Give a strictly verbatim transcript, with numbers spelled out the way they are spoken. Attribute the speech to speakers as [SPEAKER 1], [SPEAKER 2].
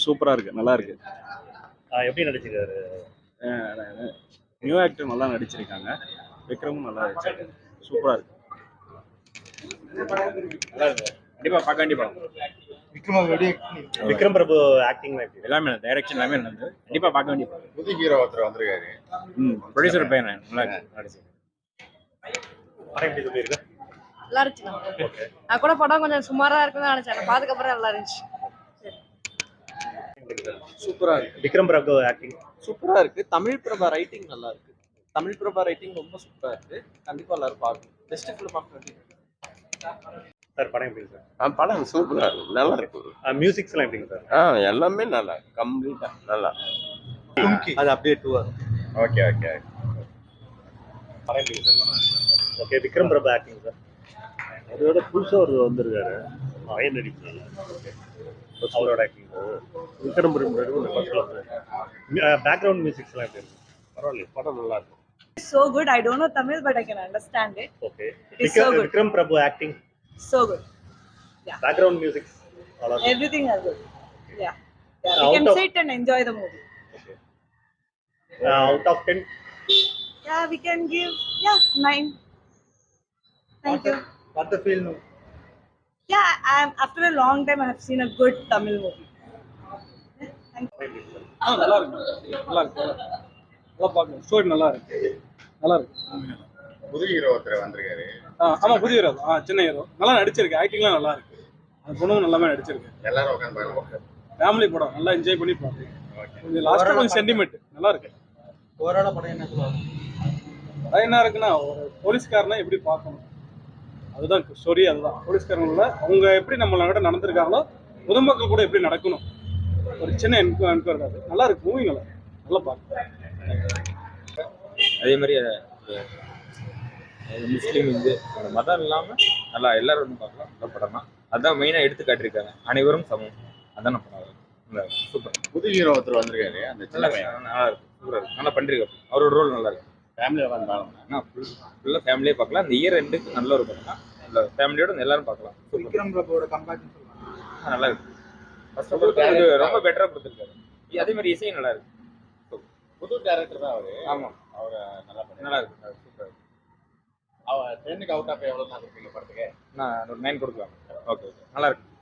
[SPEAKER 1] சூப்பரா இருக்கு, நல்லா இருக்கு.
[SPEAKER 2] எப்படி நடிச்சிருக்காரு?
[SPEAKER 1] நியூ ஆக்டர் நல்லா நடிச்சிருக்காங்க. விக்ரமும் நல்லா நடிச்சிருக்காரு. சூப்பரா இருக்கு. நல்லா இருக்கு. கண்டிப்பா பார்க்க வேண்டிய படம்.
[SPEAKER 2] விக்ரம் விக்ரம் பிரபு ஆக்டிங்
[SPEAKER 1] எல்லாமே டைரக்ஷன் எல்லாமே நல்லது. கண்டிப்பா பார்க்க வேண்டிய படம்.
[SPEAKER 3] புது ஹீரோ ஒருத்தர் வந்திருக்காரு.
[SPEAKER 1] ம் ப்ரொடியூசர் பையன் நல்லா நடிச்சிருக்காரு.
[SPEAKER 2] படம் எப்படி சொல்லிருக்கு?
[SPEAKER 4] நல்லா இருந்துச்சு. நான் கூட படம் கொஞ்சம் சுமாரா இருக்குன்னு நினைச்சேன். பார்த்துக்க அப்புறம் நல்லா இருந்துச்சு.
[SPEAKER 5] சூப்பரா இருக்கு.
[SPEAKER 2] விக்ரம் பிரபு ஆக்டிங்
[SPEAKER 5] சூப்பரா இருக்கு. தமிழ் பிரபா ரைட்டிங் நல்லா இருக்கு. தமிழ் பிரபா ரைட்டிங் ரொம்ப சூப்பரா இருக்கு. கண்டிப்பா எல்லாரும் பார்க்கணும். Best film of twenty
[SPEAKER 2] sir. படம் எப்படி சார்?
[SPEAKER 3] ஆ படம் சூப்பரா இருக்கு, நல்லா இருக்கு.
[SPEAKER 2] மியூசிக்ஸ் எல்லாம் எப்படிங்க சார்?
[SPEAKER 3] ஆ எல்லாமே நல்லா கம்ப்ளீட்டா நல்லா.
[SPEAKER 5] அது அப்படியே டூ
[SPEAKER 3] ஓகே ஓகே.
[SPEAKER 2] படம் எப்படி sir? Okay. Vikram Prabhu acting sir.
[SPEAKER 6] அதோட புதுசாக ஒரு வந்திருக்காரு அயன் நடிப்பு.
[SPEAKER 2] அவரோட acting
[SPEAKER 6] Vikram Prabhu
[SPEAKER 2] background musics எல்லாம் எப்படி இருக்கு?
[SPEAKER 6] பரவாயில்ல, படம் நல்லா இருக்கும்.
[SPEAKER 4] So good. I don't know Tamil, but I can understand it.
[SPEAKER 2] Okay.
[SPEAKER 4] It is so good.
[SPEAKER 2] Vikram Prabhu acting.
[SPEAKER 4] So good. Yeah.
[SPEAKER 2] Background music.
[SPEAKER 4] Everything is good. Yeah. Yeah.
[SPEAKER 2] Out
[SPEAKER 4] We can
[SPEAKER 2] of-
[SPEAKER 4] sit and enjoy the movie.
[SPEAKER 2] Okay. Uh, out of ten.
[SPEAKER 4] Yeah, we can give yeah nine. Thank you.
[SPEAKER 5] What the film?
[SPEAKER 4] Yeah, I'm after a long time I have seen a good Tamil movie. Yeah, thank you.
[SPEAKER 5] ஆ நல்லா இருக்கு. நல்லா இருக்கு. நல்லா பார்க்கணும். Story நல்லா இருக்கு. நல்லா இருக்கு.
[SPEAKER 3] புது ஹீரோ ஒருத்தர் வந்திருக்காரு.
[SPEAKER 5] ஆ ஆமா, புதிய ஹீரோ. ஆ சின்ன ஹீரோ. நல்லா நடிச்சிருக்கு. ஆக்டிங்லாம் நல்லா இருக்கு. அந்த பொண்ணும் நல்லாவே நடிச்சிருக்கு.
[SPEAKER 3] எல்லாரும் உட்காந்து பாருங்க.
[SPEAKER 5] ஃபேமிலி படம் நல்லா என்ஜாய் பண்ணி பாருங்க. கொஞ்சம் லாஸ்ட்டாக கொஞ்சம் சென்டிமெண்ட் நல்லா இருக்கு.
[SPEAKER 6] ஓவரால படம் என்ன சொல்லுவாங்க?
[SPEAKER 5] அது என்ன இருக்குன்னா, ஒரு போலீஸ்காரனை எப்படி பார்க்கணும், அதுதான் ஸ்டோரி. அதுதான் போலீஸ்காரங்கள அவங்க எப்படி நம்மளோட நடந்திருக்காங்களோ பொதுமக்கள் கூட எப்படி நடக்கணும், ஒரு சின்ன என்கோ என்கொயர் அது நல்லா இருக்கு. மூவி நல்லா நல்லா பார்க்க.
[SPEAKER 7] அதே மாதிரி முஸ்லீம் இந்து அந்த மதம் இல்லாமல் நல்லா எல்லாரும் வந்து பார்க்கலாம். நல்ல படம் தான். அதான் மெயினாக எடுத்து காட்டியிருக்காங்க. அனைவரும் சமம். அதான் படம். சூப்பர்.
[SPEAKER 3] புது ஹீரோ ஒருத்தர் வந்திருக்காரு. அந்த சின்ன பையன்
[SPEAKER 7] நல்லா இருக்கு. சூப்பராக இருக்கு. நல்லா பண்ணிருக்காரு. அவரோட ரோல் நல்லா இருக்கு.
[SPEAKER 3] ஃபேமிலியில் உட்காந்து பாருங்க.
[SPEAKER 7] ஆனால் ஃபுல் ஃபுல்லாக ஃபேமிலியே பார்க்கலாம். அந்த இயர் ரெண்டுக்கு நல்ல ஒரு படம் தான். நல்ல ஃபேமிலியோட எல்லாரும் பார்க்கலாம்.
[SPEAKER 5] விக்ரம் பிரபுவோட கம்பேக்
[SPEAKER 7] நல்லா இருக்கு. ஃபர்ஸ்ட் ஆஃப் ஆல் ரொம்ப பெட்டராக கொடுத்துருக்காரு. அதே மாதிரி இசையும் நல்லா இருக்கு.
[SPEAKER 3] புது டேரக்டர் தான் அவரு.
[SPEAKER 7] ஆமாம்,
[SPEAKER 3] அவரை நல்லா பண்ணி
[SPEAKER 7] நல்லா இருக்கு. சூப்பராக இருக்கு.
[SPEAKER 3] அவர் டென்னுக்கு அவுட் ஆஃப் எவ்வளோ தான் கொடுப்பீங்க படத்துக்கு?
[SPEAKER 7] நான் ஒரு நைன் கொடுக்கலாம். ஓகே ஓகே நல்லா இருக்கு.